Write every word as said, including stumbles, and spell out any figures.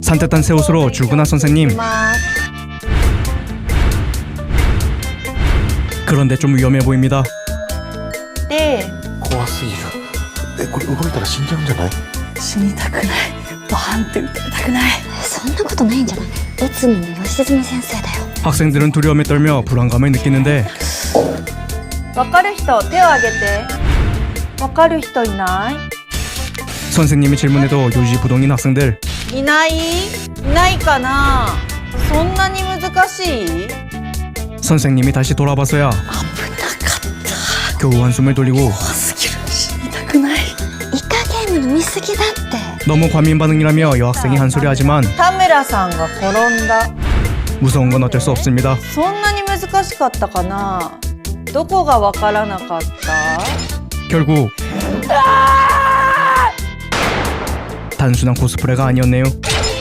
산뜻한 새 옷으로 출근한 선생님. 그런데 좀 위험해 보입니다. 네. 怖すぎる。え、これ動いたら死んじゃうんじゃない？ 死にたくない。バーンって撃たれたくない。 そんなことないんじゃない？内海の吉住先生だよ。 학생들은 두려움에 떨며 불안감을 느끼는데 わかる人手を挙げて。わかる人いない？ 선생님이 질문해도 요지부동인 학생들. いない？いないかな。そんなに難しい？ 선생님이 다시 돌아봐서야 危なかった。 겨우 한숨을 돌리고 怖すぎる。死にたくない。 イカゲーム飲みすぎだって。 너무 과민 반응이라며 여학생이 한 소리 하지만 田村さんが転んだ。 무서운 건 어쩔 수 없습니다. そんなに難しかったかな。どこがわからなかった？ 결국 단순한 코스프레가 아니었네요.